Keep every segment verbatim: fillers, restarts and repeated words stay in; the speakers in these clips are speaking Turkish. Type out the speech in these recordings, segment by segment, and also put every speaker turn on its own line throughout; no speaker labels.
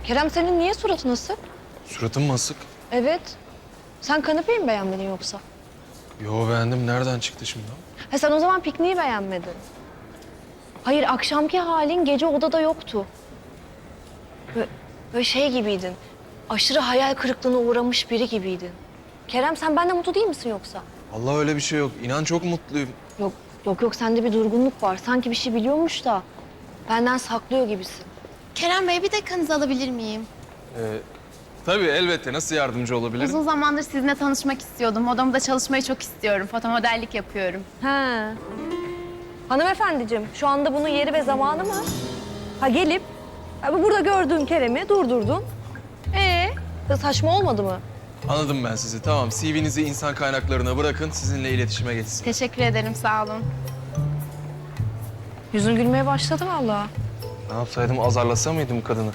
Kerem senin niye suratın asık?
Suratım mı asık?
Evet. Sen kanepeyi mi beğenmedin yoksa?
Yo beğendim. Nereden çıktı şimdi o?
Ha sen o zaman pikniği beğenmedin. Hayır akşamki halin gece odada yoktu. Böyle, böyle şey gibiydin. Aşırı hayal kırıklığına uğramış biri gibiydin. Kerem sen benden mutlu değil misin yoksa?
Vallahi öyle bir şey yok. İnan çok mutluyum.
Yok yok yok sende bir durgunluk var. Sanki bir şey biliyormuş da benden saklıyor gibisin.
Kerem Bey bir dakikanızı alabilir miyim?
Ee, tabii elbette. Nasıl yardımcı olabilirim?
Uzun zamandır sizinle tanışmak istiyordum. Odamda çalışmayı çok istiyorum. Fotomodellik yapıyorum.
He. Hanımefendiciğim şu anda bunun yeri ve zamanı mı? Ha gelip ha, burada gördüğün Kerem'i durdurdun. Ee, saçma olmadı mı?
Anladım ben sizi. Tamam. C V'nizi insan kaynaklarına bırakın. Sizinle iletişime geçsin.
Teşekkür ederim, sağ olun.
Yüzün gülmeye başladı vallahi.
Ne yapsaydım? Azarlasa mıydım kadını?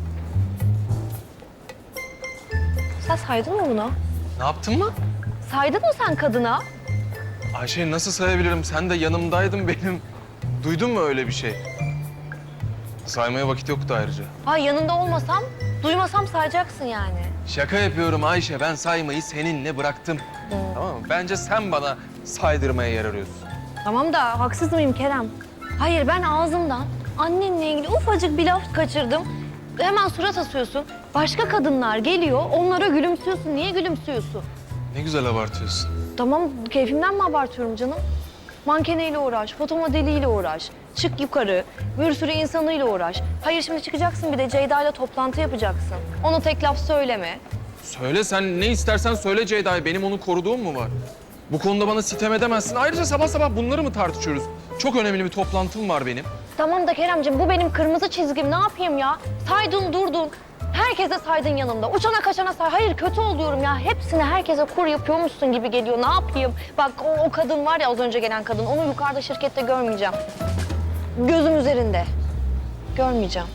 Sen saydın mı bunu?
Ne yaptın mı?
Saydın mı sen kadına?
Ayşe nasıl sayabilirim? Sen de yanımdaydın benim. Duydun mu öyle bir şey? Saymaya vakit yoktu ayrıca.
Ha yanında olmasam, duymasam sayacaksın yani.
Şaka yapıyorum Ayşe. Ben saymayı seninle bıraktım. Tamam mı? Bence sen bana saydırmaya yer arıyorsun.
Tamam da haksız mıyım Kerem? Hayır ben ağzımdan annenle ilgili ufacık bir laf kaçırdım. Hemen surat asıyorsun. Başka kadınlar geliyor, onlara gülümsüyorsun. Niye gülümsüyorsun?
Ne güzel abartıyorsun.
Tamam, keyfimden mi abartıyorum canım? Mankeneyle uğraş, fotomodeliyle uğraş. Çık yukarı, bir sürü insanıyla uğraş. Hayır şimdi çıkacaksın bir de Ceyda'yla toplantı yapacaksın. Ona tek laf söyleme.
Söyle sen ne istersen söyle Ceyda'ya. Benim onu koruduğum mu var? Bu konuda bana sitem edemezsin. Ayrıca sabah sabah bunları mı tartışıyoruz? Çok önemli bir toplantım var benim.
Tamam da Keremciğim bu benim kırmızı çizgim. Ne yapayım ya? Saydın durdun. Herkese saydın yanımda. Uçana kaçana say. Hayır kötü oluyorum ya. Hepsine herkese kur yapıyormuşsun gibi geliyor. Ne yapayım? Bak o, o kadın var ya az önce gelen kadın. Onu yukarıda şirkette görmeyeceğim. Gözüm üzerinde. Görmeyeceğim.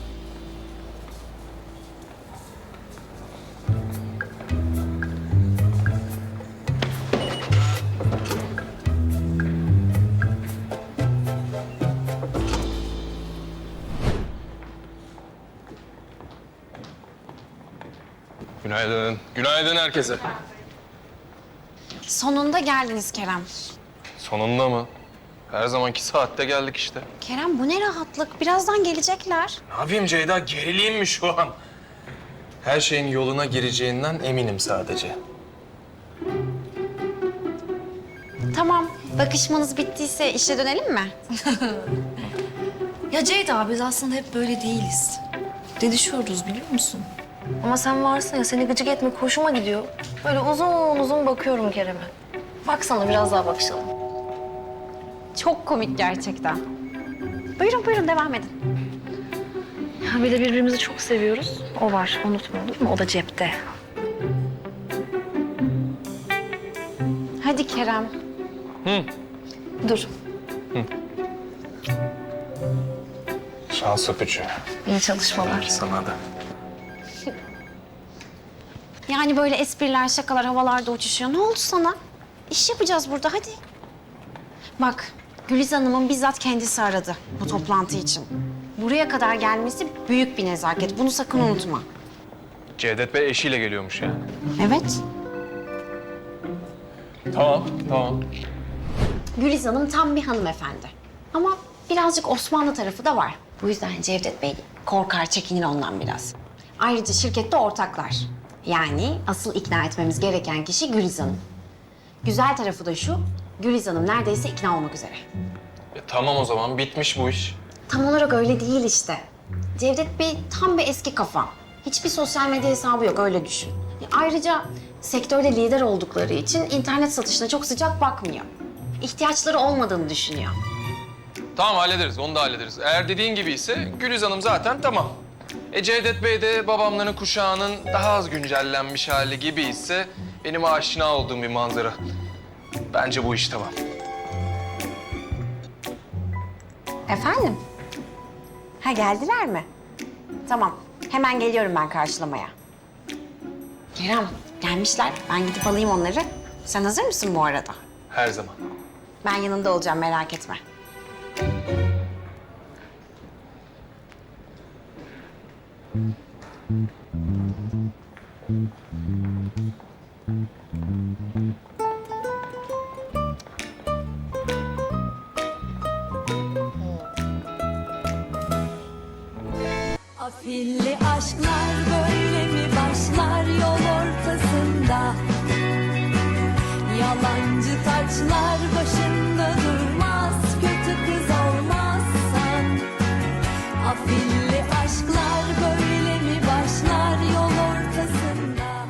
Günaydın. Günaydın herkese.
Sonunda geldiniz Kerem.
Sonunda mı? Her zamanki saatte geldik işte.
Kerem bu ne rahatlık. Birazdan gelecekler.
Ne yapayım Ceyda? Gerileyim mi şu an? Her şeyin yoluna gireceğinden eminim sadece.
Tamam. Bakışmanız bittiyse işe dönelim mi?
Ya Ceyda biz aslında hep böyle değiliz. Didişiyoruz biliyor musun?
Ama sen varsın ya seni gıcık etmek hoşuma gidiyor. Böyle uzun uzun bakıyorum Kerem'e. Baksana biraz daha bakışalım.
Çok komik gerçekten. Buyurun buyurun devam edin.
Ya bir de birbirimizi çok seviyoruz. O var unutma olur mu? O da cepte.
Hadi Kerem.
Dur.
Şans öpücüğü.
İyi çalışmalar.
Sana da.
Yani böyle espriler, şakalar havalarda uçuşuyor. Ne oldu sana? İş yapacağız burada hadi. Bak Güliz Hanım'ın bizzat kendisi aradı bu toplantı için. Buraya kadar gelmesi büyük bir nezaket. Bunu sakın unutma.
Cevdet Bey eşiyle geliyormuş yani.
Evet.
Tamam, tamam.
Güliz Hanım tam bir hanımefendi. Ama birazcık Osmanlı tarafı da var. Bu yüzden Cevdet Bey korkar, çekinir ondan biraz. Ayrıca şirkette ortaklar. Yani asıl ikna etmemiz gereken kişi Güliz Hanım. Güzel tarafı da şu, Güliz Hanım neredeyse ikna olmak üzere.
E, tamam o zaman bitmiş bu iş.
Tam olarak öyle değil işte. Cevdet Bey tam bir eski kafa. Hiçbir sosyal medya hesabı yok, öyle düşün. E, Ayrıca sektörde lider oldukları için internet satışına çok sıcak bakmıyor. İhtiyaçları olmadığını düşünüyor.
Tamam hallederiz, onu da hallederiz. Eğer dediğin gibi ise Güliz Hanım zaten tamam. E Cevdet Bey de babamların kuşağının daha az güncellenmiş hali gibi ise benim aşina olduğum bir manzara. Bence bu iş tamam.
Efendim? Ha geldiler mi? Tamam. Hemen geliyorum ben karşılamaya. Kerem gelmişler. Ben gidip alayım onları. Sen hazır mısın bu arada?
Her zaman.
Ben yanında olacağım merak etme.
Afilli aşklar böyle mi başlar yol ortasında? Yalancı taçlar başı